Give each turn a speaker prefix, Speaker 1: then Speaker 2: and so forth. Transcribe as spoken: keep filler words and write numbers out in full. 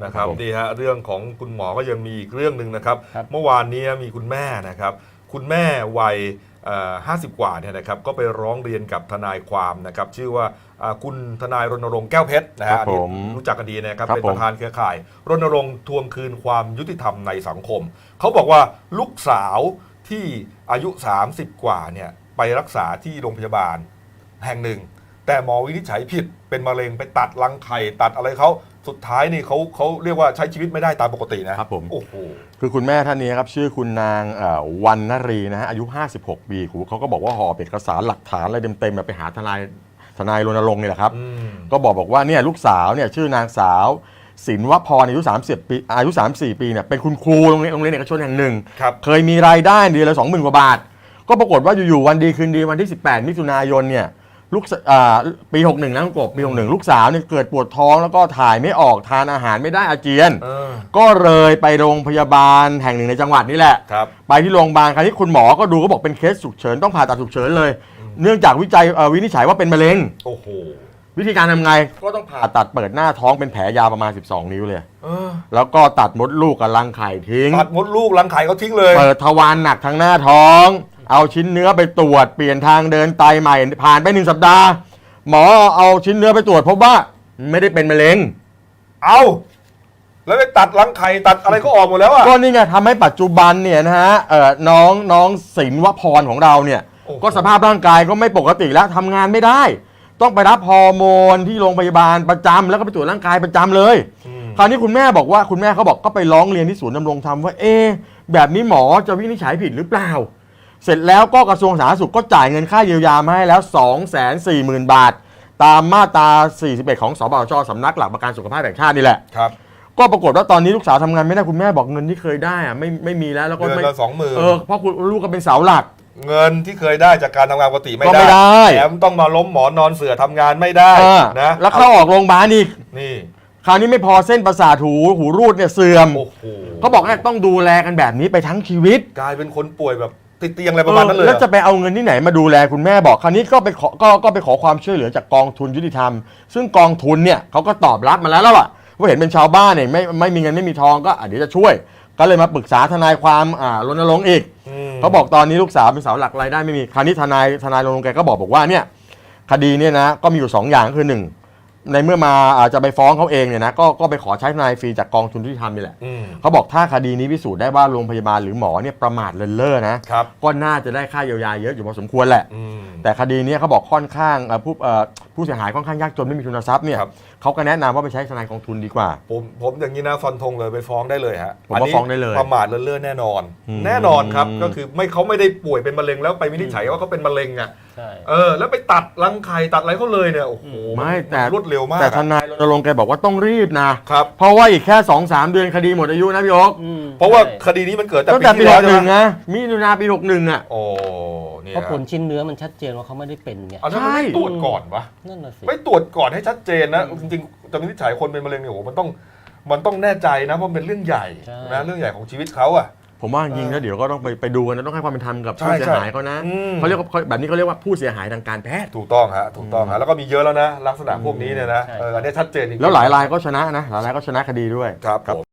Speaker 1: นะครับนี่ฮะเรื่องของคุณหมอก็ยังมีอีกเรื่องหนึ่งนะครับเมื่อวานนี้มีคุณแม่นะครับคุณแม่วัยห้าสิบกว่าเนี่ยนะครับก็ไปร้องเรียนกับทนายความนะครับชื่อว่าคุณทนายรณรงค์แก้วเพชรนะฮะรู้จักกันดีนะครับเป็นประธานเครือข่ายรณรงค์ทวงคืนความยุติธรรมในสังคมเขาบอกว่าลูกสาวที่อายุสามสิบกว่าเนี่ยไปรักษาที่โรงพยาบาลแห่งหนึ่งแต่หมอวินิจฉัยผิดเป็นมะเร็งไปตัดรังไข่ตัดอะไรเขาสุดท้ายนี่เขาเขาเรียกว่าใช้ชีวิตไม่ได้ตามปกตินะครับ
Speaker 2: ผม
Speaker 1: โอ้โห
Speaker 2: คือคุณแม่ท่านนี้ครับชื่อคุณนางวรรณรีนะฮะอายุห้าสิบหกปีเขาก็บอกว่าห่อเอกสารหลักฐานอะไรเต็มๆไปหาทนายทนายรณรงค์นี่แหละครับก็บอกบอกว่าเนี่ยลูกสาวเนี่ยชื่อนางสาวศิลวพรอายุสามสิบปีอายุสามสิบสี่ปีเนี่ยเป็นคุณครูโรงเรียนโรงเรียนเอกชนแห่งหนึ่งเคยมีรายได้เดือนละสองหมื่นกว่าบาทก็ปรากฏว่าอยู่ๆวันดีคืนดีวันที่สิบแปดมิถุนายนเนี่ยลูกปีหกสิบเอ็ดนะคุณกบปีหกสิบเอ็ดลูกสาวเนี่ยเกิดปวดท้องแล้วก็ถ่ายไม่ออกทานอาหารไม่ได้อาเจียนก็เลยไปโรงพยาบาลแห่งหนึ่งในจังหวัดนี่แหละไปที่โรงพยาบาลคราวนี้คุณหมอก็ดูก็บอกเป็นเคสฉุกเฉินต้องผ่าตัดฉุกเฉินเลยเนื่องจากวิจัยวินิจฉัยว่าเป็นมะเร็ง
Speaker 1: โอ้โห
Speaker 2: วิธีการทำไงก็ต้องผ่าตัดเปิดหน้าท้องเป็นแผลยาวประมาณสิบสองนิ้วเลยแล้วก็ตัดมดลูกกับรังไข่ทิ้ง
Speaker 1: ตัดมดลูกรังไข่เขาทิ้งเลย
Speaker 2: เปิดทวารหนักทางหน้าท้องเอาชิ้นเนื้อไปตรวจเปลี่ยนทางเดินไตใหม่ผ่านไปหนึ่งสัปดาห์หมอเอาชิ้นเนื้อไปตรวจพบว่าไม่ได้เป็นมะเร็ง
Speaker 1: เอาแล้วไปตัดรังไข่ตัดอะไรก็ออกหมดแล้วอ่ะ
Speaker 2: ก็นี่ไงทำให้ปัจจุบันเนี่ยนะฮะเอ่อน้องน้องศิลวพรของเราเนี่ยก็สภาพร่างกายก็ไม่ปกติแล้วทำงานไม่ได้ต้องไปรับฮอร์โมนที่โรงพยาบาลประจำแล้วก็ไปตรวจร่างกายประจำเลยคราวนี้คุณแม่บอกว่าคุณแม่เขาบอกก็ไปร้องเรียนที่ศูนย์ดำรงธรรมว่าเอ๊ะแบบนี้หมอจะวินิจฉัยผิดหรือเปล่าเสร็จแล้วก็กระทรวงสาธารณสุขก็จ่ายเงินค่าเยียวยามาให้แล้ว สองแสนสี่หมื่น บาทตามมาตราสี่สิบเอ็ดของสบชสำนักหลักประกันสุขภาพแห่งชาตินี่แหละ
Speaker 1: ครับ
Speaker 2: ก็ปรากฏว่าตอนนี้ลูกสาวทำงานไม่ได้คุณแม่บอกเงินที่เคยได้อะไม่ไม่มีแล้วแล้วก็
Speaker 1: เดือนละสองหมื่น
Speaker 2: เออเพราะคุณลูกก็เป็นเสาหลัก
Speaker 1: เงินที่เคยได้จากการทำงานปกติไม่ได้แถมต้องมาล้มหมอนอนเสือทำงานไม่ได้นะ
Speaker 2: แล้วเข้าออกโรงพยาบาลอีก
Speaker 1: นี่
Speaker 2: คราวนี้ไม่พอเส้นประสาทหูหูรูดเนี่ยเสื่อมเขาบอกว่าต้องดูแลกันแบบนี้ไปทั้งชีวิต
Speaker 1: กลายเป็นคนป่วยแบบติดเตียงอะไรประมาณนั้นเลย
Speaker 2: แล้วจะไปเอาเงินที่ไหนมาดูแลคุณแม่บอกคราวนี้ก็ไปขอก็ก็ไปขอความช่วยเหลือจากกองทุนยุติธรรมซึ่งกองทุนเนี่ยเขาก็ตอบรับมาแล้วแล้วล่ะว่าเห็นเป็นชาวบ้านเนี่ยไม่ไม่มีเงินไม่มีทองก็เดี๋ยวจะช่วยก็เลยมาปรึกษาทนายความอ่ารณรงค์อีกเขาบอกตอนนี้ลูกสาวเป็นเสาหลักรายได้ไม่มีคราวนี้ทนายทนายรณรงค์แกก็บอกบอกว่าเนี่ยคดีเนี่ยนะก็มีอยู่สองอย่างคือหนึ่งในเมื่อมาอาจจะไปฟ้องเขาเองเนี่ยนะก็ก็ไปขอใช้ทนายฟรีจากกองทุนยุติธรรมนี่แหละเขาบอกถ้าคดีนี้พิสูจน์ได้ว่าโรงพยาบาลหรือหมอเนี่ยประมาทเลินเล่อนะก็น่าจะได้ค่าเยียวยาเยอะอยู่พอสมควรแหละแต่คดีนี้เขาบอกค่อนข้างผู้ผู้เสียหายค่อนข้างยากจนไม่มีทุนทรัพย์เนี่ยเขาก็แนะนำว่าไปใช้ทนายกองทุนดีกว่า
Speaker 1: ผมผมอย่างนี้นะฟันธงเลยไปฟ้องได้เลยฮะ
Speaker 2: ผมว่าฟ้องได้เลย
Speaker 1: ประมาทเลินเล่อแน่นอนแน่นอนครับก็คือไม่เขาไม่ได้ป่วยเป็นมะเร็งแล้วไปวินิจฉัยว่าเขาเป็นมะเร็งอ่ะเออแล้วไปตัดรังไข่ตัดอะไรเขาเลยเนี่ยโอ้โห
Speaker 2: ไม่แต่
Speaker 1: รวดเร็วมาก
Speaker 2: แต่ทนายรณรงค์แกบอกว่าต้องรีบนะครับเพราะว่าอีกแค่ สองสาม เดือนคดีหมดอายุนะพี่โอ๊ค
Speaker 1: เพราะว่าคดีนี้มันเกิด
Speaker 2: ตั้งแต่ปีหกสิบเอ็ดนะมิถุนาปีหกสิบเอ็ดอ่ะ
Speaker 1: โอ้
Speaker 3: เพราะผลชิ้นเนื้อมันชัดเจนว่าเขาไม่ได้เป็นไง
Speaker 1: ใช่ไม่ตรวจก่อนวะ
Speaker 3: นั่นน่ะสิ
Speaker 1: ไม่ตรวจก่อนให้ชัดเจนนะจริงๆจะวินิจฉัยคนเป็นมะเร็งเนี่ยโอ้โหมันต้องมันต้องแน่ใจนะเพราะเป็นเรื่องใหญ่นะเรื่องใหญ่ของชีวิตเขาอะ
Speaker 2: ผมว่าจริงแล้วเดี๋ยวก็ต้องไปไปดูกันนะต้องให้ความเป็นธรรมกับผู้เสียหายเขานะเขาเรียกว่าแบบนี้เขาเรียกว่าผู้เสียหายทางการแพทย์
Speaker 1: ถูกต้องฮะถูกต้องฮะแล้วก็มีเยอะแล้วนะลักษณะพวกนี้เนี่ยนะอันนี้ชัดเจนจริง
Speaker 2: แล้วหลายรายก็ชนะนะหลายรายก็ชนะคดีด้วย
Speaker 1: ครับ